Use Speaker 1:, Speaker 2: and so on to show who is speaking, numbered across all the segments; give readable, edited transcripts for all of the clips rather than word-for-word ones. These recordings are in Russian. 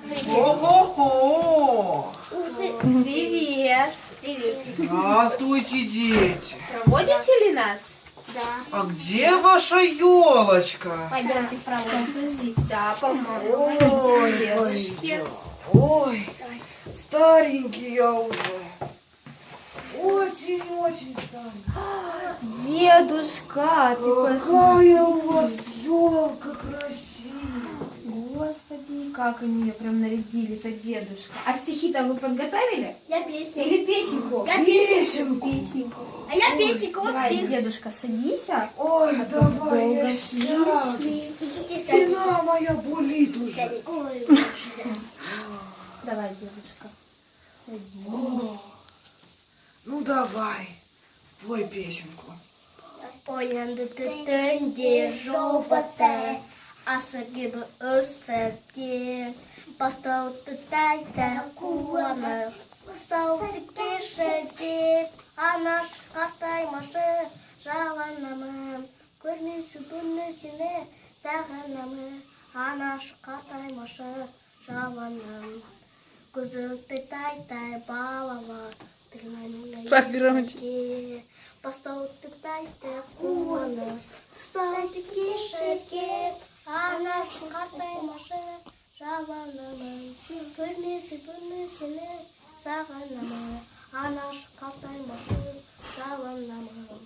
Speaker 1: Ого-го!
Speaker 2: Привет.
Speaker 3: Приветик.
Speaker 1: Здравствуйте, дети!
Speaker 2: Проводите ли нас?
Speaker 3: Да.
Speaker 1: А где ваша елочка?
Speaker 3: Пойдемте проводим.
Speaker 2: Подождите, да, помогу.
Speaker 1: Ой,
Speaker 2: Девушки.
Speaker 1: ой, старенький я уже. Очень-очень старенький.
Speaker 2: Дедушка, ты посмотри.
Speaker 1: Какая у вас елка красивая.
Speaker 2: Господи, как они ее прям нарядили-то, дедушка. А стихи-то вы подготовили?
Speaker 3: Я песню.
Speaker 2: Или песенку?
Speaker 3: Я
Speaker 1: Песенку.
Speaker 2: Песенку.
Speaker 3: А я песенку
Speaker 2: Давай,
Speaker 3: стих.
Speaker 2: дедушка, садись.
Speaker 1: Ой, давай
Speaker 2: Долго
Speaker 1: я
Speaker 2: шли,
Speaker 1: сяду.
Speaker 2: шли.
Speaker 3: Идите
Speaker 1: Спина моя болит уже.
Speaker 3: сядь. Ой,
Speaker 2: Давай, дедушка, садись.
Speaker 1: Ну давай, пой песенку.
Speaker 3: Oyandı жопоте, аса gibi öserken, бастауды тайта куанып, бастауды кешеде, анаш қартаймашы, жаланамын, көрмесі бұны сені, сағынамын, анаш қартаймашы, жаланамын, көзікті тайтай балава,
Speaker 4: Погромче.
Speaker 3: Постауды тайты куаны, стауды кешеке, анашын қартаймашы, жаланамын, көрмесі бұны сені, сағынамын, анашын қартаймашы, жаланамын.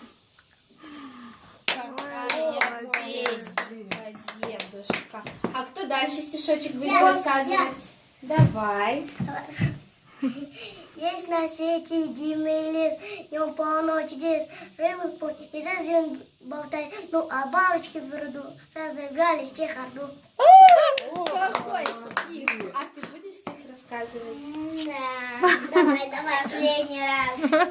Speaker 2: Какая песенка, дедушка. А кто дальше стишочек будет рассказывать? Давай.
Speaker 3: Есть на свете единый лес, днем полночь чудес, рыбы в путь и зажжен болтает, ну а бабочки в пруду разыгрались в чехарду.
Speaker 2: Какой стих? А ты будешь стих рассказывать?
Speaker 3: Да, давай, последний раз.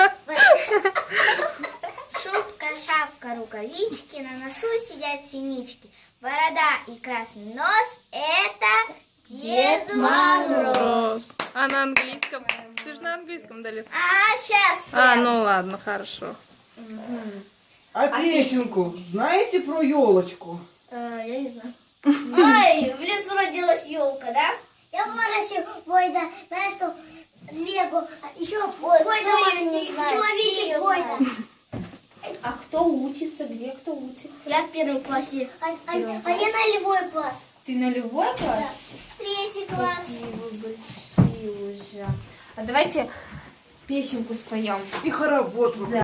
Speaker 3: Шубка, шапка, рукавички, на носу сидят синички, борода и красный нос — это Дед Мороз.
Speaker 4: А на английском? Ты же на английском дали.
Speaker 3: А, сейчас.
Speaker 4: Ну ладно, хорошо.
Speaker 1: А песенку знаете про елочку?
Speaker 3: Я не знаю. Ой, в лесу родилась елка, да? Я выращу, Войда, знаешь что, Лего, еще Войда, не знаю, человечек Войда.
Speaker 2: А кто учится? Где кто учится?
Speaker 3: Я в первом классе. А я на любой класс.
Speaker 2: Ты на любой класс?
Speaker 3: Третий класс.
Speaker 2: Какие вы большие уже. А давайте песенку споем.
Speaker 1: И хоровод вы